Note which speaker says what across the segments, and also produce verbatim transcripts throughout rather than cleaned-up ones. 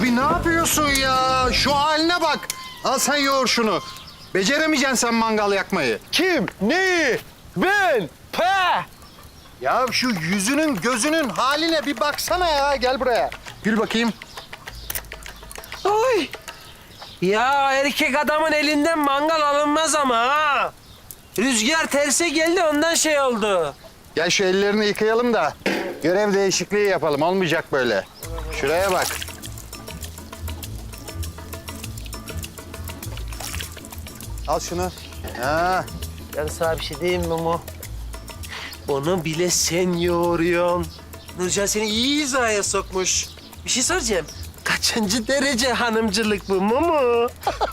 Speaker 1: Abi ne yapıyorsun ya? Şu haline bak. Al sen yoğur şunu. Beceremeyeceksin sen mangal yakmayı.
Speaker 2: Kim? Neyi? Ben? Pe!
Speaker 1: Ya şu yüzünün gözünün haline bir baksana ya. Gel buraya. Gül bakayım.
Speaker 3: Oy. Ya erkek adamın elinden mangal alınmaz ama ha. Rüzgar terse geldi ondan şey oldu.
Speaker 1: Gel şu ellerini yıkayalım da görev değişikliği yapalım. Olmayacak böyle. Şuraya bak. Al şunu. Ha.
Speaker 3: Ben sana bir şey diyeyim mi Mumu? Onu bile sen yoğuruyorsun. Nurcan seni iyi hizaya sokmuş. Bir şey soracağım. Kaçıncı derece hanımcılık bu Mumu?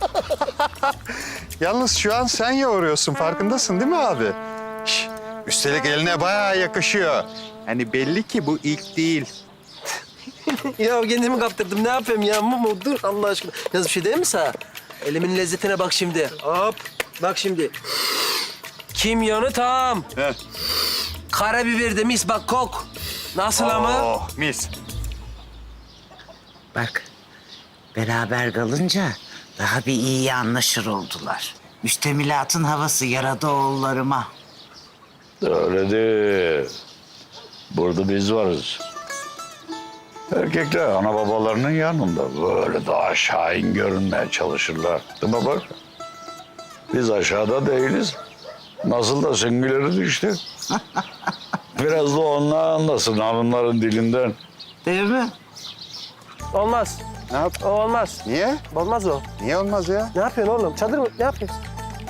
Speaker 1: Yalnız şu an sen yoğuruyorsun. Farkındasın değil mi abi? Şş, üstelik eline bayağı yakışıyor. Hani belli ki bu ilk değil.
Speaker 3: Ya kendimi kaptırdım. Ne yapayım ya Mumu? Dur Allah aşkına. Yalnız bir şey diyeyim mi sana? Elimin lezzetine bak şimdi. Hop. Bak şimdi. Kimyonu tam.
Speaker 1: Heh.
Speaker 3: Karabiber de mis bak kok. Nasıl ama?
Speaker 1: Oh, mis.
Speaker 4: Bak, beraber kalınca daha bir iyi anlaşır oldular. Müştemilatın havası yaradı oğullarıma.
Speaker 5: Öyle değil. Burada biz varız. Erkekler ana babalarının yanında böyle daha şahin görünmeye çalışırlar. Değil mi bak? Biz aşağıda değiliz. Nasıl da süngüleriz işte. Biraz da onlar anlasın hanımların dilinden.
Speaker 4: Değil mi?
Speaker 3: Olmaz.
Speaker 1: Ne yap?
Speaker 3: O olmaz.
Speaker 1: Niye?
Speaker 3: Olmaz o.
Speaker 1: Niye olmaz ya?
Speaker 3: Ne yapıyorsun oğlum? Çadır mı? Ne yapıyorsun?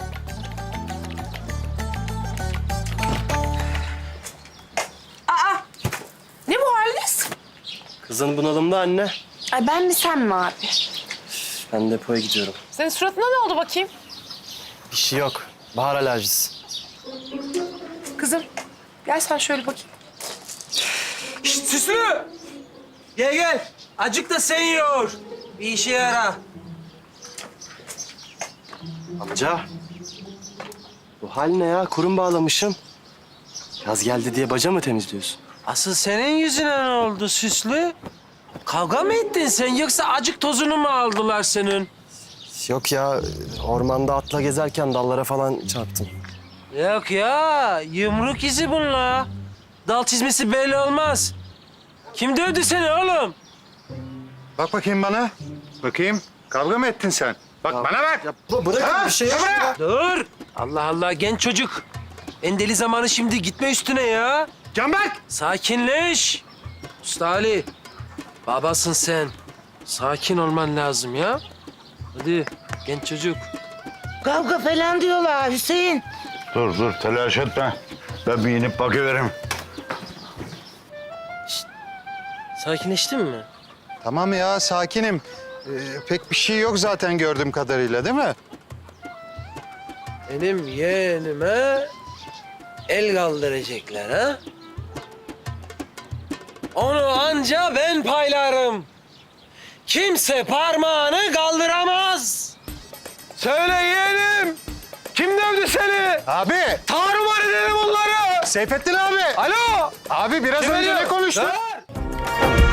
Speaker 6: Ne bu haliniz?
Speaker 3: Kızın bunalımda anne.
Speaker 6: Ay ben mi sen mi abi?
Speaker 3: Ben depoya gidiyorum.
Speaker 6: Senin suratına ne oldu bakayım?
Speaker 3: Bir şey yok. Bahar alerjisi.
Speaker 6: Kızım gel sen şöyle bakayım.
Speaker 3: Şşt Süslü! Gel gel. Acık da sen yoğur. Bir işe yara.
Speaker 2: Amca. Bu hal ne ya? Kurum bağlamışım. Yaz geldi diye baca mı temizliyorsun?
Speaker 3: Asıl senin yüzüne ne oldu Süslü? Kavga mı ettin sen yoksa acık tozunu mu aldılar senin?
Speaker 2: Yok ya, ormanda atla gezerken dallara falan çarptım.
Speaker 3: Yok ya, yumruk izi bunlar. Dal çizmesi belli olmaz. Kim dövdü seni oğlum?
Speaker 1: Bak bakayım bana. Bakayım. Kavga mı ettin sen? Bak bana bak.
Speaker 2: Ya bırakın bir şey yok ya.
Speaker 3: Dur. Allah Allah, genç çocuk. En deli zamanı şimdi, gitme üstüne ya.
Speaker 1: Canberk!
Speaker 3: Sakinleş. Usta Ali, babasın sen. Sakin olman lazım ya. Hadi genç çocuk.
Speaker 4: Kavga falan diyorlar Hüseyin.
Speaker 5: Dur dur telaş etme. Ben bir inip bakıveririm.
Speaker 3: Sakinleştin mi?
Speaker 1: Tamam ya sakinim. Ee, pek bir şey yok zaten gördüğüm kadarıyla değil mi?
Speaker 3: Benim yeğenime el kaldıracaklar ha? Onu anca ben paylarım. Kimse parmağını kaldıramaz. Söyle yeğenim. Kim dövdü seni?
Speaker 1: Abi!
Speaker 3: Tarumar edelim onları.
Speaker 1: Seyfettin abi!
Speaker 3: Alo.
Speaker 1: Abi biraz
Speaker 3: Kim
Speaker 1: önce
Speaker 3: arıyor?
Speaker 1: ne konuştun?
Speaker 3: Ver.